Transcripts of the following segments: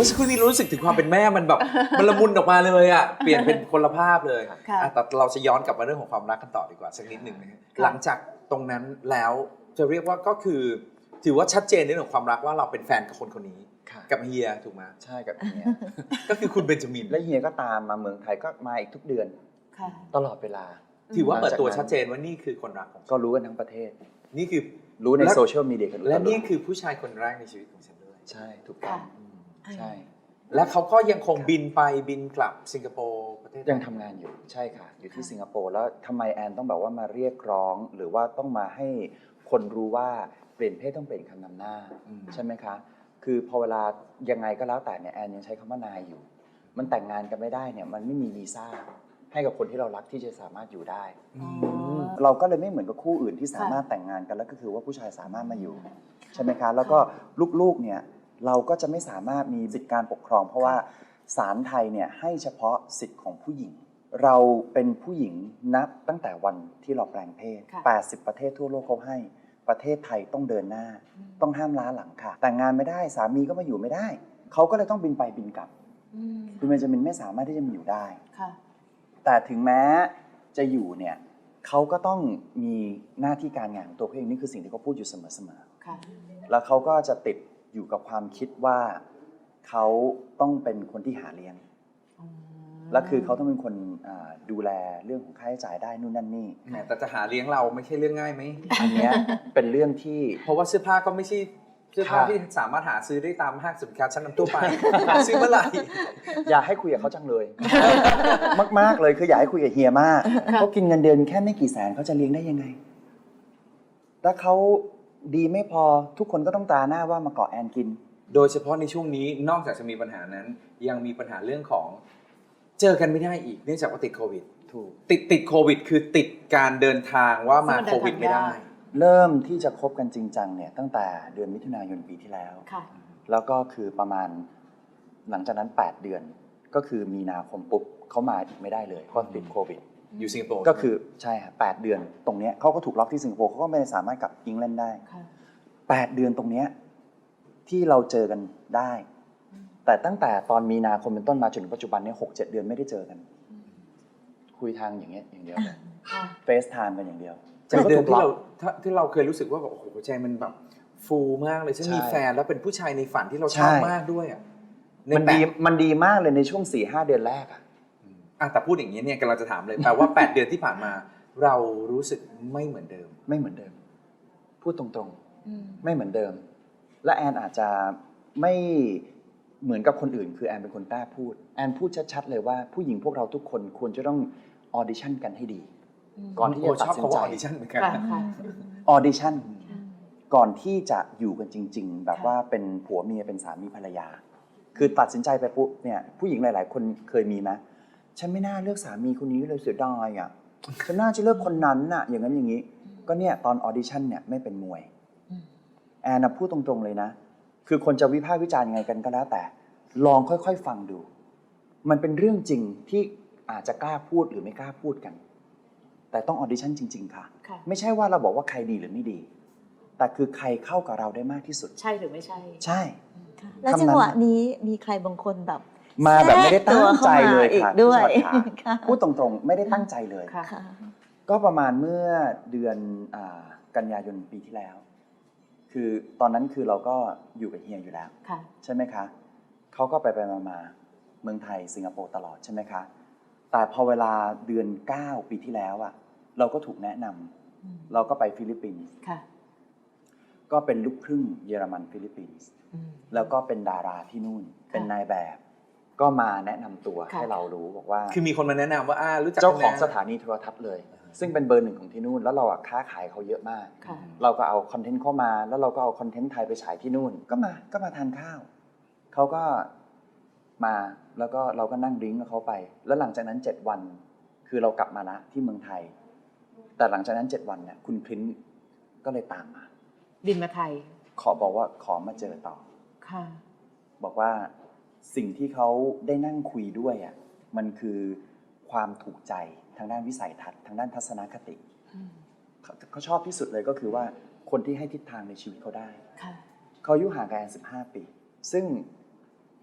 มื่อสักครู่นี้รู้สึกถึงความเป็นแม่มันแบบมันละมุนออกมาเลยอ่ะเปลี่ยนเป็นคนละภาพเลยแต่เราจะย้อนกลับมาเรื่องของความรักกันต่อดีกว่าสักนิดหนึ่งนะหลังจากตรงนั้นแล้วจะเรียกว่าก็คือถือว่าชัดเจนในเรื่องของความรักว่าเราเป็นแฟนกับคนคนนี้กับเฮียถูกไหมใช่กับเฮียก็คือคุณเบนจามินและเฮียก็ตามมาเมืองไทยก็มาอีกทุกเดือนตลอดเวลาถือว่าเปิดตัวชัดเจนว่านี่คือคนรักของก็รู้กันทั้งประเทศนี่คือรู้ในโซเชียลมีเดียกันและนี่คือผู้ชายคนแรกในชีวิตของฉันด้วยใช่ถูกต้องใช่และเขาก็ยังคงบินไปบินกลับสิงคโปร์ประเทศยังทำงานอยู่ใช่ค่ะอยู่ที่สิงคโปร์แล้วทำไมแอนต้องแบบว่ามาเรียกร้องหรือว่าต้องมาให้คนรู้ว่าเปลี่ยนเพศต้องเปลี่ยนคำนำหน้าใช่ไหมคะคือพอเวลายังไงก็แล้วแต่เนี่ยแอนยังใช้คำว่านายอยู่มันแต่งงานกันไม่ได้เนี่ยมันไม่มีวีซ่าให้กับคนที่เรารักที่จะสามารถอยู่ได้เราก็เลยไม่เหมือนกับคู่อื่นที่สามารถแต่งงานกันแล้วก็คือว่าผู้ชายสามารถมาอยู่ใช่ไหมคะแล้วก็ลูกๆเนี่ยเราก็จะไม่สามารถมีสิทธิการปกครองเพราะว่าศาลไทยเนี่ยให้เฉพาะสิทธิ์ของผู้หญิงเราเป็นผู้หญิงนับตั้งแต่วันที่เราแปลงเพศ80ประเทศทั่วโลกเขาให้ประเทศไทยต้องเดินหน้าต้องห้ามล้าหลังค่ะแต่งงานไม่ได้สามีก็มาอยู่ไม่ได้เขาก็เลยต้องบินไปบินกลับคุณเบนจามินไม่สามารถที่จะมาอยู่ได้แต่ถึงแม้จะอยู่เนี่ยเขาก็ต้องมีหน้าที่การงานของตัวเขาเองนี่คือสิ่งที่เขาพูดอยู่เสมอๆแล้วเขาก็จะติดอยู่กับความคิดว่าเขาต้องเป็นคนที่หาเลี้ยงและคือเขาต้องเป็นคนดูแลเรื่องของค่าใช้จ่ายได้นู่นนั่นนี่แต่จะหาเลี้ยงเราไม่ใช่เรื่องง่ายไหมอันนี้เป็นเรื่องที่เพราะว่าเสื้อผ้าก็ไม่ใช่เสื้อผ้าที่สามารถหาซื้อได้ตามห้างสินค้าชั้นนำทั่วไปซื้อเมื่อไหร่อยากให้คุยกับเขาจังเลยมากๆเลยคืออยากให้คุยกับเฮียมากเขากินเงินเดือนแค่ไม่กี่แสนเขาจะเลี้ยงได้ยังไงถ้าเขาดีไม่พอทุกคนก็ต้องตาหน้าว่ามาเกาะแอนกินโดยเฉพาะในช่วงนี้นอกจากจะมีปัญหานั้นยังมีปัญหาเรื่องของเจอกันไม่ได้อีกเนื่องจากว่าติดโควิดถูกติดโควิดคือติดการเดินทางว่ามาโควิดไม่ได้เริ่มที่จะคบกันจริงจังเนี่ยตั้งแต่เดือนมิถุนายนปีที่แล้วแล้วก็คือประมาณหลังจากนั้น8เดือนก็คือมีนาคมปุ๊บเขามาอีกไม่ได้เลยเพราะติดโควิดอยู่สิงคโปร์ก็คือใช่ค่ะ8เดือนตรงนี้เขาก็ถูกล็อกที่สิงคโปร์เขาก็ไม่สามารถกลับอังกฤษได้8เดือนตรงนี้ที่เราเจอกันได้แต่ตั้งแต่ตอนมีนาคมเป็นต้นมาจนถึงปัจจุบันนี้6-7 เดือนไม่ได้เจอกันคุยทางอย่างเงี้ยอย่างเดียวเฟซไทม์กันอย่างเดียวจากเดิมที่เราเคยรู้สึกว่าแบบโอ้โหใจมันแบบฟูมากเลยฉันมีแฟนแล้วเป็นผู้ชายในฝันที่เราชอบมากด้วยอ่ะมันดีมากเลยในช่วง 4-5 เดือนแรกอ่ะแต่พูดอย่างนี้เนี่ยกำลังจะถามเลยแปลว่า8เดือนที่ผ่านมาเรารู้สึกไม่เหมือนเดิมไม่เหมือนเดิมพูดตรงๆไม่เหมือนเดิมและแอนอาจจะไม่เหมือนกับคนอื่นคือแอนเป็นคนกล้าพูดแอนพูดชัดๆเลยว่าผู้หญิงพวกเราทุกคนควรจะต้องออดิชั่นกันให้ดีก่อนที่จะตัดสินใจออดิชั่นเหมือนกันออดิชั่นก่อนที่จะอยู่กันจริงๆแบบว่าเป็นผัวเมียเป็นสามีภรรยาคือตัดสินใจไปปุ๊บเนี่ยผู้หญิงหลายๆคนเคยมีไหมฉันไม่น่าเลือกสามีคนนี้เลยเสียดายอ่ะฉันน่าจะเลือกคนนั้นน่ะอย่างนั้นอย่างนี้ก็เนี่ยตอนออดิชั่นเนี่ยไม่เป็นมวยแอนพูดตรงๆเลยนะคือคนจะวิพากษ์วิจารณ์ยังไงกันก็แล้วแต่ลองค่อยๆฟังดูมันเป็นเรื่องจริงที่อาจจะกล้าพูดหรือไม่กล้าพูดกันแต่ต้องออดิชั่นจริงๆค่ะไม่ใช่ว่าเราบอกว่าใครดีหรือไม่ดีแต่คือใครเข้ากับเราได้มากที่สุดใช่หรือไม่ใช่ใช่แล้วจังหวะนี้มีใครบางคนแบบมาแบบไม่ได้ตั้งใจเลยค่ะด้วยพูดตรงๆไม่ได้ตั้งใจเลยก็ประมาณเมื่อเดือนกันยายนปีที่แล้วคือตอนนั้นคือเราก็อยู่กับเฮียอยู่แล้วใช่ไหมคะเขาก็ไปมาเมืองไทยสิงคโปร์ตลอดใช่ไหมคะแต่พอเวลาเดือน9ปีที่แล้วอะเราก็ถูกแนะนำเราก็ไปฟิลิปปินส์ก็เป็นลูกครึ่งเยอรมันฟิลิปปินส์แล้วก็เป็นดาราที่นู่นเป็นนายแบบก็มาแนะนำตัวให้เรารู้บอกว่าคือมีคนมาแนะนำว่ารู้จักเจ้าของสถานีโทรทัศน์เลยซึ่งเป็นเบอร์ 1ของที่นู่นแล้วเราค้าขายเขาเยอะมากเราก็เอาคอนเทนต์เข้ามาแล้วเราก็เอาคอนเทนต์ไทยไปฉายที่นู่นก็มาทานข้าวเขาก็มาแล้วก็เราก็นั่งดริ้งกับเขาไปแล้วหลังจากนั้น7วันคือเรากลับมาละที่เมืองไทยแต่หลังจากนั้น7วันเนี่ยคุณพริ้นก็เลยตามมาบินมาไทยบอกว่าขอมาเจอต่อบอกว่าสิ่งที่เขาได้นั่งคุยด้วยอ่ะมันคือความถูกใจทางด้านวิสัยทัศน์ทางด้านทัศนคติเขาชอบที่สุดเลยก็คือว่าคนที่ให้ทิศทางในชีวิตเขาได้เขาอายุห่างกัน15 ปีซึ่ง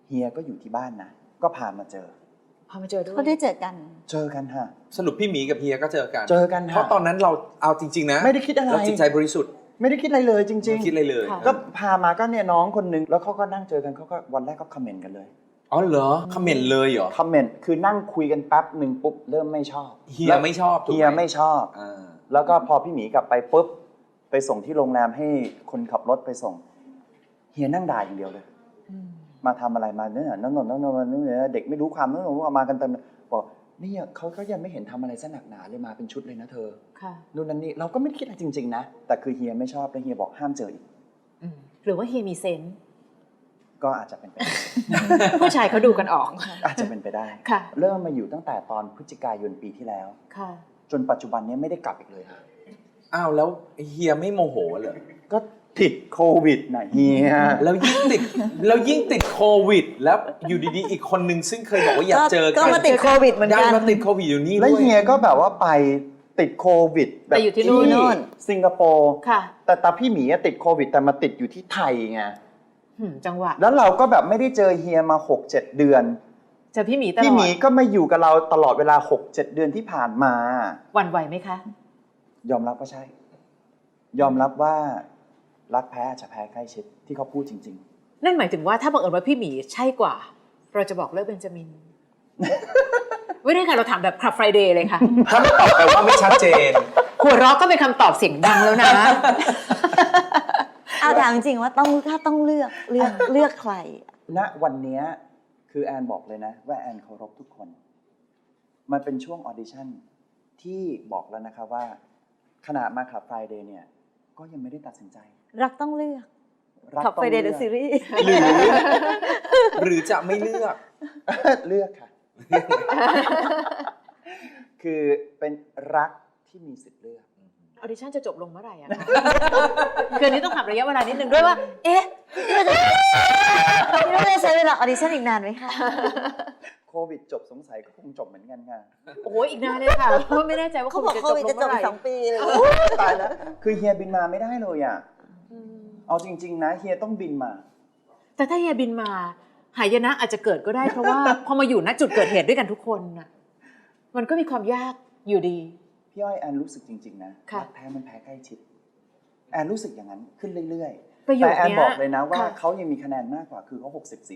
เฮียก็อยู่ที่บ้านนะก็พามาเจอพอมาเจอด้วยเขาได้เจอกันเจอกันฮะสรุปพี่หมีกับเฮียก็เจอกันเจอกันเพฮะราะตอนนั้นเราเอาจริงๆนะไม่ได้คิดอะไรเราจิตใจบริสุทธิ์ไม่ได้คิดอะไรเลยจริงไม่คิดอะไรเลยๆก็พามาก็เนี่ยน้องคนนึงแล้วเขาก็นั่งเจอกันเขาก็วันแรกก็คอมเมนต์กันเลยอ๋อเหรอคอมเมนต์เลยเหรอคอมเมนต์คือนั่งคุยกันแป๊บหนึ่งปุ๊บเริ่มไม่ชอบเฮียไม่ชอบถูกไหมเฮียไม่ชอบอ่าแล้วก็พอพี่หมีกลับไปปุ๊บไปส่งที่โรงแรมให้คนขับรถไปส่งเฮียนั่งด่าอย่างเดียวเลย มาทำอะไรมาเนี่ยนั่นเด็กไม่รู้ความนั่นมากันเต็มบอกนี่เขาก็ยังไม่เห็นทำอะไรซะหนักหนาเลยมาเป็นชุดเลยนะเธอค่ะนู่นนั่นนี่เราก็ไม่คิดอะไรจริงๆนะแต่คือเฮียไม่ชอบแล้วเฮียบอกห้ามเจออีกหรือว่าเฮียมีเซนส์ก็อาจจะเป็นไปได้ผู้ชายเขาดูกันออกอาจจะเป็นไปได้ค่ะเริ่มมาอยู่ตั้งแต่ตอนพฤศจิกายนปีที่แล้วค่ะจนปัจจุบันนี้ไม่ได้กลับอีกเลยค่ะอ้าวแล้วเฮียไม่โมโหเหรอก็ติดโควิดนะเฮียแล้วยิ่งติดโควิด แล้วอยู่ดีๆอีกคนนึงซึ่งเคยบอกว่าอยากเจอก็มาติดโควิดเหมือนดักันนมาติดโควิดอยู่นี่แล้วด้วยเฮียก็แบบว่าไปติดโควิดแบบแต่อยู่ที่นู่นสิงคโปร์ค่ะแต่พี่หมีติดโควิดแต่มาติดอยู่ที่ไทยไงจังหวะแล้วเราก็แบบไม่ได้เจอเฮียมา 6-7 เดือนเจอพี่หมีตลอดพี่หมีก็มาอยู่กับเราตลอดเวลา 6-7 เดือนที่ผ่านมาหวั่นไหวไหมคะยอมรับว่าใช่ ยอมรับว่ารักแพ้อาจจะแพ้ใกล้ชิดที่เขาพูดจริงนั่นหมายถึงว่าถ้าบังเอิญว่าพี่หมีใช่กว่า เราจะบอกเลิกเบนจามิน ไม่ได้ค่ะเราถามแบบคลับไฟเดย์เลยค่ะถ้าไม่ตอบแปลว่าไม่ชัดเจนหัวเราะก็เป็นคำตอบเสียงดังแล้วนะเอาถามจริงๆว่าถ้าต้องเลือกใครๆ ณ วันนี้คือแอนบอกเลยนะว่าแอนเคารพทุกคน มันเป็นช่วงออดิชั่นที่บอกแล้วนะคะว่าขณะมาขับไฟเดย์เนี่ยก็ยังไม่ได้ตัดสินใจรักต้องเลือกรักขับต้อไปงเดเลืย์อกซีรีส์หรือจะไม่เลือกเลือกค่ะ คือเป็นรักที่มีสิทธิ์เลือกออดิชั่นจะจบลงเมื่อไหร่อะคะ คืออันนี้ต้องถามระยะเวลานิดนึงด้วยว่า เอ๊ะพี่ว่าจะใช้เวลาออดิชั่นอีกนานไหมคะโควิดจบสงสัยก็คงจบเหมือนกันค่ะโอ้โหอีกนานเลยค่ะ เพราะไม่แน่ใจว่าโคเขาบวิอดกจะโคจบวิดลงจะจเมื่บอไหอีร่ก2 ปีเลยตายแล้ว คือเฮียบินมาไม่ได้เลยอ่ะ เอาจริงๆนะเฮียต้องบินมาแต่ถ้าเฮียบินมาหายนะอาจจะเกิดก็ได้ เพราะว่า พอมาอยู่ณจุดเกิดเหตุด้วยกันทุกคนน่ะมันก็มีความยากอยู่ดีพี่อ้อยแอนรู้สึกจริงๆนะค่ะรักแท้มันแพ้ใกล้ชิด แอนรู้สึกอย่างนั้นขึ้นเรื่อยประๆโยแต่คแอนเนี้ยบอกเลยนะว่าค่ะเขายังมีคะแนนมากกว่าคือเขา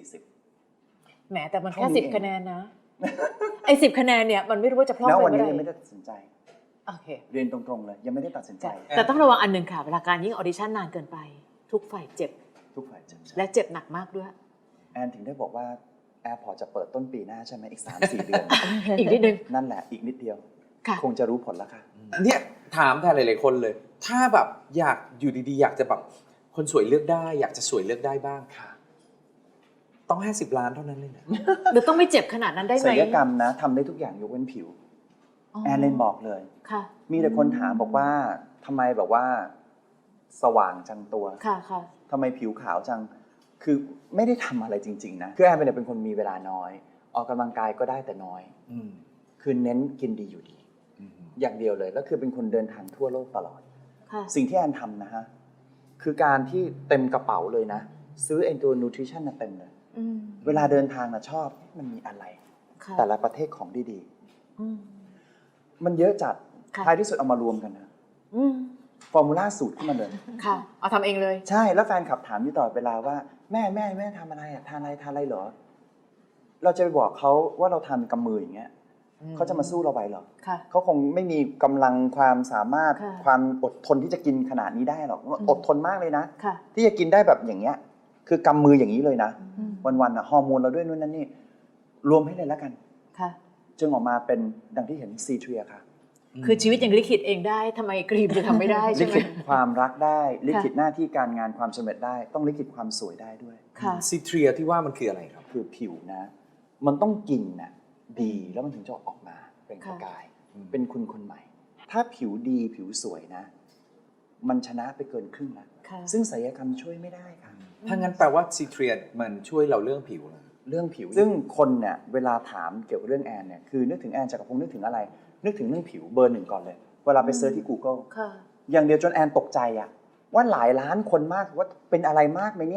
60-40 แหมแต่มันแค่เท่านี้ 10 คะแนนนะ ไอ้10 คะแนนเนี่ยมันไม่รู้ว่าจะพลาดแล้วไปวันเมื่นี้อไหยังไม่ร่ได้ตัดสินใจโอเคเรียนตรงๆเลยยังไม่ได้ตัดสินใจแต่ต้องระวังอันหนึ่งค่ะ เวลาการยิ่งออดิชั่นนานเกินไป ทุกฝ่ายเจ็บทุกฝ่ายเจ็บและเจ็บหนักมากด้วยแอนถึงได้บอกว่าแอร์พอร์ตจะเปิดต้นปีหน้าใช่ไหมอีก 3-4 เดือนอีกนิดนึงนั่นแหละอีกนิดเดียวค่ะคงจะรู้ผลแล้วค่ะเนี่ยถามแทนหลายๆคนเลย ถ้าแบบอยากอยู่ดีๆ อยากจะแบบคนสวยเลือกได้ อยากจะสวยเลือกได้บ้างค่ะ ต้อง50 ล้านเท่านั้นเลยนะหรือต้องไม่เจ็บขนาดนั้นได้ไหมศัลยกรรมนะทำได้ทุกอย่างยกเว้นผิว แอนเลนบอกเลยค่ะมีแต่คนถามบอกว่าทำไมแบบว่าสว่างจังตัวค่ะค่ะทำไมผิวขาวจัง คือไม่ได้ทำอะไรจริงๆนะคือแอนเป็นคนมีเวลาน้อย ออกกำลังกายก็ได้แต่น้อยอืมคือเน้นกินดีอยู่ดีอืมอย่างเดียวเลยแล้วคือเป็นคนเดินทางทั่วโลกตลอดค่ะสิ่งที่แอนทำนะฮะคือการที่เต็มกระเป๋าเลยนะ ซื้อไอ้ตัวนูทริชั่นเต็มเลยอืมเวลาเดินทางนะชอบมันมีอะไรค่ะแต่ละประเทศของดีอืมๆมันเยอะจัดค่ะท้ายที่สุดเอามารวมกันนะอืมฟอร์มูล่าสูตรขึ้นมาเลยค่ะ เอาทำเองเลยใช่แล้วแฟนขับถามอยู่ตลอดเวลาว่าแม่ทำอะไรอ่ะทานอะไรเหรอ เราจะไปบอกเขาว่าเราทำกำมืออย่างเงี้ยเขาจะมาสู้เราไหวเหรอค่ะเขาคงไม่มีกำลังความสามารถค่ะความอดทนที่จะกินขนาดนี้ได้หรอกอดทนมากเลยนะค่ะที่จะกินได้แบบอย่างเงี้ย คือกำมืออย่างนี้เลยนะอืมวันๆอ่ะฮอร์โมนเราด้วยนู่นนั่นนี่รวมให้เลยแล้วกันค่ะจึงออกมาเป็นดังที่เห็นซีเทรียค่ะคือชีวิตยังลิขิตเองได้ทำไมกรีมจะทำไม่ได้ลิใช่ไหมขิตความรักได้ลิขิตหน้าที่การงานความสำเร็จได้ ต้องลิขิตความสวยได้ด้วยค่ะซิเทรียที่ว่ามันคืออะไรครับคือผิวนะ มันต้องกินน่ะดีแล้วมันถึงจะออกมาเป็นประกายอืมเป็นคุณคนใหม่ ถ้าผิวดีผิวสวยนะ มันชนะไปเกินครึ่งแล้วค่ะซึ่งศัลยกรรมช่วยไม่ได้ค่ะถ้างั้นแปลว่าซิเทรียมันช่วยเราเรื่องผิวเหรอเรื่องผิว ซึ่งคนเนี่ยเวลาถามเกี่ยวกับเรื่องแอนเนี่ยคือนึกถึงแอนจักรพงศ์นึกถึงอะไร นึกถึงเรื่องผิวเบอร์ 1ก่อนเลย เวลาไปเซิร์ชที่ Google ค่ะอย่างเดียวจนแอนตกใจอะว่าหลายล้านคนมากว่าเป็นอะไรมากไหมเนี่ย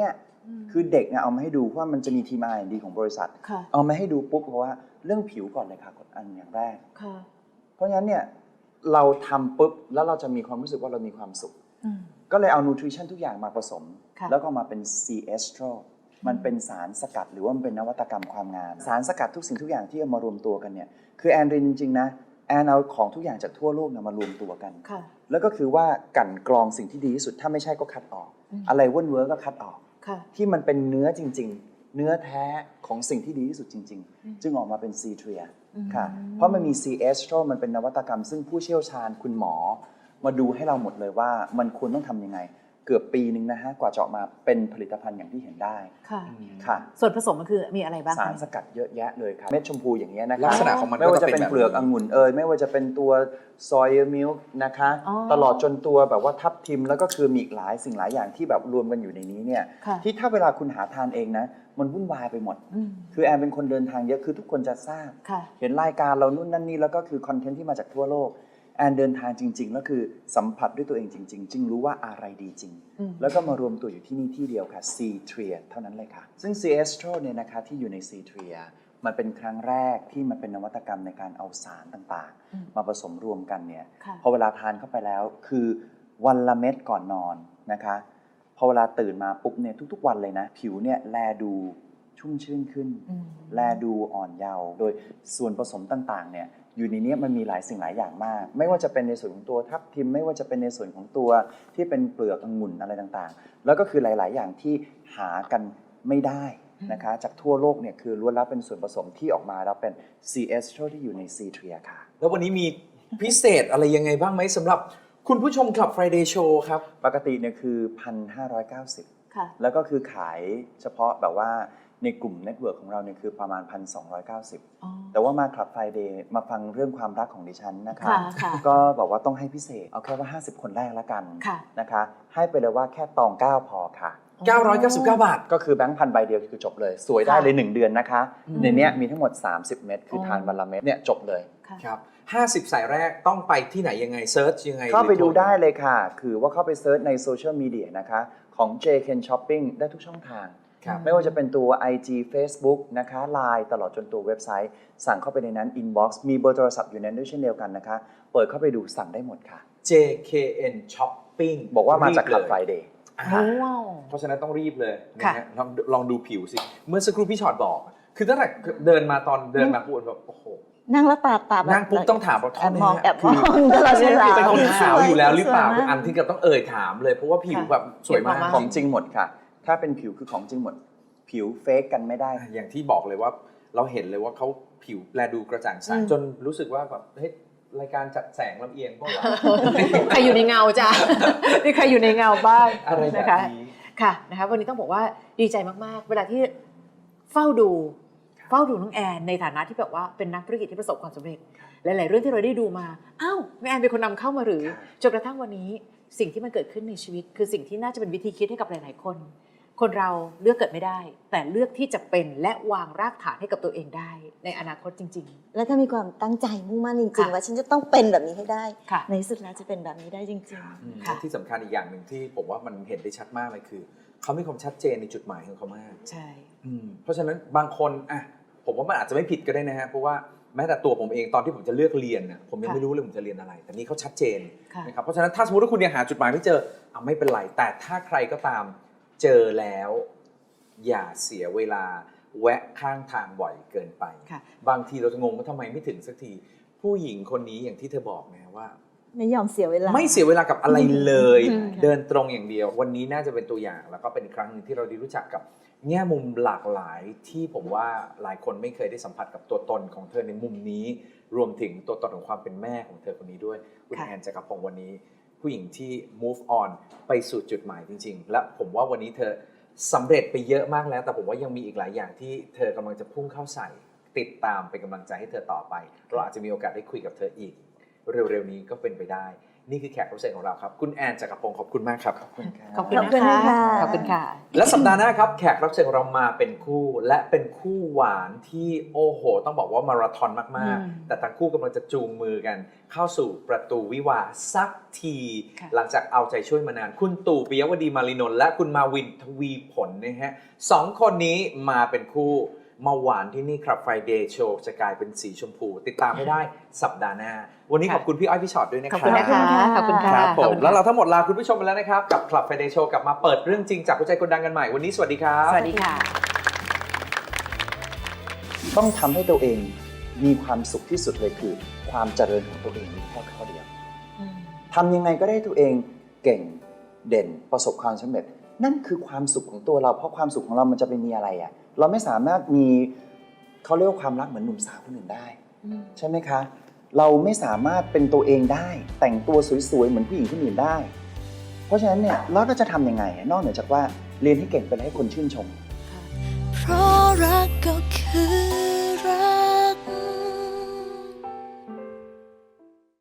คือเด็กเนี่ยเอามาให้ดูว่ามันจะมีทีม R&D ของบริษัทค่ะเอามาให้ดูปุ๊บเพราะว่าเรื่องผิวก่อนเลยค่ะกดอันอย่างแรกค่ะเพราะฉะนั้นเนี่ยเราทำปุ๊บแล้วเราจะมีความรู้สึกว่าเรามีความสุขอืมก็เลยเอานูทริชั่นทุกอย่างมาผสมค่ะแล้วก็มาเป็น C estro มันเป็นสารสกัดหรือว่ามันเป็นนวัตกรรมความงามสารสกัดทุกสิ่งทุกอย่างที่เอามารวมตัวกันเนี่ยคือแอนเรียนจริงๆนะแอนเอาของทุกอย่างจากทั่วโลกมารวมตัวกันค่ะแล้วก็คือว่ากลั่นกรองสิ่งที่ดีที่สุดถ้าไม่ใช่ก็คัดออก อะไรเว้นก็คัดออกค่ะที่มันเป็นเนื้อจริงๆ เนื้อแท้ของสิ่งที่ดีที่สุดจริงๆ จึงออกมาเป็น C tria ค่ะ เพราะมันมี C estro มันเป็นนวัตกรรม ซึ่งผู้เชี่ยวชาญคุณหมอ มาดูให้เราหมดเลยว่ามันควรต้องทำยังไง เกือบปีนึงนะฮะกว่าจะออกมาเป็นผลิตภัณฑ์อย่างที่เห็นได้ค่ะค่ะส่วนผสมมันคือมีอะไรบ้างสารคะสกัดเยอะแยะเลยครับเม็ดชมพูอย่างเงี้ยนะคลัรับกษณะของมันไม่ว่าจะเป็นก็จะเป็นแบบเปลือกองุ่นไม่ว่าจะเป็นตัวซอยมิลค์นะคะอ๋อตลอดจนตัวแบบว่าทับทิมแล้วก็คือมีอีกหลายสิ่งหลายอย่างที่แบบรวมกันอยู่ในนี้เนี่ยค่ะที่ถ้าเวลาคุณหาทานเองนะมันวุ่นวายไปหมดอืมคือแอนเป็นคนเดินทางเยอะคือทุกคนจะทราบค่ะเห็นรายการเรานู่นนั่นนี่แล้วก็คือคอนเทนต์ที่มาจากทั่วโลกแอนเดินทางจริงๆแล้วคือสัมผัสด้วยตัวเองจริงๆจึงรู้ว่าอะไรดีจริงอืมแล้วก็มารวมตัวอยู่ที่นี่ที่เดียวค่ะ C tria เท่านั้นเลยค่ะ ซึ่ง C estro เนี่ยนะคะที่อยู่ใน C tria มันเป็นครั้งแรกที่มันเป็นนวัตกรรมในการเอาสารต่างๆ มาผสมรวมกันเนี่ยค่ะพอเวลาทานเข้าไปแล้วคือวันละเม็ดก่อนนอนนะคะพอเวลาตื่นมาปุ๊บเนี่ยทุกๆวันเลยนะผิวเนี่ยแลดูชุ่มชื่นขึ้นอืมแลดูอ่อนเยาว์โดยส่วนผสมต่างๆเนี่ยอยู่ในนี้มันมีหลายสิ่งหลายอย่างมาก ไม่ว่าจะเป็นในส่วนของตัวทับทิมไม่ว่าจะเป็นในส่วนของตัวที่เป็นเปลือกองุ่นอะไรต่างๆ แล้วก็คือหลายๆ อย่างที่หากันไม่ได้นะคะจากทั่วโลกเนี่ยคือล้วนแล้วเป็นส่วนผสมที่ออกมาแล้วเป็น C estro ที่อยู่ใน C tria ค่ะแล้ววันนี้มีพิเศษอะไรยังไงบ้างไหมสำหรับคุณผู้ชม Club Friday Show ครับปกติเนี่ยคือ 1,590 ค่ะแล้วก็คือขายเฉพาะแบบว่าในกลุ่มเน็ตเวิร์กของเราเนี่ยคือประมาณ 1,290 อ๋อแต่ว่ามาคลับไฟเดย์มาฟังเรื่องความรักของดิฉันนะคะค่ะค่ะก็บอกว่าต้องให้พิเศษ เอาแค่ว่า 50 คนแรกละกันค่ะนะคะ ให้ไปเลยว่าแค่ตอง 9 พอค่ะ 999 บาทก็คือแบงค์พันใบเดียวคือจบเลย สวยได้เลย 1 เดือนนะคะ ในเนี้ยมีทั้งหมด 30 เม็ดคือทานวันละเม็ดเนี่ยจบเลยค่ะครับ 50 สายแรกต้องไปที่ไหนยังไงเซิร์ชยังไงเข้าไปหรือโทรดูได้เลยค่ะ คือว่าเข้าไปเซิร์ชในโซเชียลมีเดียนะคะของ JKN Shopping ได้ทุกช่องทางครับไม่ว่าจะเป็นตัว IG Facebook นะคะ Line ตลอดจนตัวเว็บไซต์ สั่งเข้าไปในนั้น Inbox มีเบอร์โทรศัพท์อยู่ในนั้นด้วยเช่นเดียวกันนะคะ เปิดเข้าไปดูสั่งได้หมดค่ะ JKN Shopping บอกว่ามาจากรี Club เลย Friday อ่าว้าวเพราะฉะนั้นต้องรีบเลยนะค่ะฮะลองดูผิวสิ เมื่อสักครู่พี่ชอตบอก คือตั้งแต่เดินมาตอนเดินมาปุ๊บแบบโอ้โหนั่งแล้วตาแบบนั่งปุ๊บต้องถามว่าแอบมองโทษนะฮะแอบมองตลอดเวลาเป็นคนขาวอยู่แล้วหรือเปล่าสวยมกอันที่กับต้องถามเลย เพราะว่าผิวแบบสวยมากค่ะของจริงหมดค่ะ ถ้าเป็นผิวคือของจริงหมด ผิวเฟกกันไม่ได้อย่างที่บอกเลยว่าเราเห็นเลยว่าเขาผิวแลดูกระจ่างใสจนรู้สึกว่าแบบเฮ้ยรายการจัดแสงลำเอียงก็ว่าใครอยู่ในเงาจ้ะ นี่ใครอยู่ในเงาบ้างอะไรแบบนะคะนี้ค่ะนะคะวันนี้ต้องบอกว่าดีใจมากๆ เวลาที่เฝ้าดูน้องแอนในฐานะที่แบบว่าเป็นนักธุรกิจที่ประสบความสำเร็จ หลายๆเรื่องที่เราได้ดูมาอ้าวน้องแอนเป็นคนนำเข้ามาหรือจนกระทั่งวันนี้สิ่งที่มันเกิดขึ้นในชีวิต คือสิ่งที่น่าจะเป็นวิธีคิดให้กับหลายๆคน คนเราเลือกเกิดไม่ได้ แต่เลือกที่จะเป็นและวางรากฐานให้กับตัวเองได้ ในอนาคตจริงแล้วถ้ามีความตั้งใจมุ่งมั่นจริงค่ะๆว่าฉันจะต้องเป็นแบบนี้ให้ได้ค่ะในที่สุดแล้วจะเป็นแบบนี้ได้จริงค่ะที่สำคัญอีกอย่างหนึ่งที่ผมว่ามันเห็นได้ชัดมากเลยคือเขามีความชัดเจนในจุดหมายของเขามากๆ ใช่เพราะฉะนั้นบางคนอ่ะผมว่ามันอาจจะไม่ผิดก็ได้นะฮะเพราะว่าแม้แต่ตัวผมเองตอนที่ผมจะเลือกเรียนน่ะผมยังค่ะไม่รู้เลยผมจะเรียนอะไร แต่นี่เขาชัดเจนค่ะนะครับเพราะฉะนั้นถ้าสมมติว่าคุณยังหาจุดหมายไม่เจออ่ะไม่เป็นไรแต่ถ้าใครก็ตามเจอแล้ว อย่าเสียเวลาแวะข้างทางบ่อยเกินไปค่ะบางทีเราจะงงว่าทำไมไม่ถึงสักที ผู้หญิงคนนี้อย่างที่เธอบอกนะว่าๆ ไม่ยอมเสียเวลาไม่เสียเวลากับอะไรเลยอืมเดินตรงอย่างเดียว วันนี้น่าจะเป็นตัวอย่างแล้วก็เป็นอีกครั้งหนึงที่เราได้รู้จักกับแง่มุมหลากหลายที่ผมว่าหลายคนไม่เคยได้สัมผัสกับตัวตนของเธอในมุมนี้ รวมถึงตัวตนของความเป็นแม่ของเธอคนนี้ด้วยคุณค่ะแอนจักรพงศ์วันนี้ ผู้หญิงที่ move on ไปสู่จุดหมายจริง ๆ และผมว่าวันนี้เธอสำเร็จไปเยอะมากแล้ว แต่ผมว่ายังมีอีกหลายอย่างที่เธอกำลังจะพุ่งเข้าใส่ติดตามเป็นกำลังใจให้เธอต่อไปเราอาจจะมีโอกาสได้คุยกับเธออีก เร็วๆนี้ก็เป็นไปได้นี่คือแขกรับเชิญของเราครับคุณแอนจักรพงศ์ขอบคุณมากครับขอบคุณขอบคุณนะคะค่ะขอบคุณค่ะและสัปดาห์หน้าครับแขกรับเชิญของเรามาเป็นคู่และเป็นคู่หวานที่โอ้โห ต้องบอกว่ามาราธอนมากอืมๆ แต่ทั้งคู่กำลังจะจูงมือกัน เข้าสู่ประตูวิวาห์สักทีค่ะหลังจากเอาใจช่วยมานาน คุณตู่ปิยวดีมารินนท์และคุณมาวินทวีผลนะฮะสองคนนี้มาเป็นคู่มาหวานที่นี่ครับ Friday Show จะกลายเป็นสีชมพู ติดตามให้ได้สัปดาห์หน้า วันนี้ขอบคุณพี่อ้อยพี่ชอตด้วยนะคขรัอบคุณนะคะขอบคุณค่ะครับผขอบมคุณแล้วเราทั้งหมดลาคุณผู้ชมไปแล้วนะครับ กับ Club Friday Show กลับมาเปิดเรื่องจริงจากหัวใจคนดังกันใหม่ วันนี้สวัสดีครับสวัสดีค่ะต้องทำให้ตัวเองมีความสุขที่สุดเลยคือ ความเจริญของตัวเองมีแค่ข้อเดียวทำยังไงก็ได้ตัวเองเก่งเด่นประสบความสำเร็จ นั่นคือความสุขของตัวเราเพราะความสุขของเรามันจะไปมีอะไรอ่ะเราไม่สามารถมีเขาเรียกว่าความรักเหมือนหนุ่มสาวคนอื่นได้ ใช่ไหมคะ เราไม่สามารถเป็นตัวเองได้ แต่งตัวสวยๆเหมือนผู้หญิงคนอื่นได้ เพราะฉะนั้นเนี่ยเราจะทำยังไงนอกเหนือจากว่าเรียนให้เก่งเป็นให้คนชื่นชมเพราะรักก็คือรัก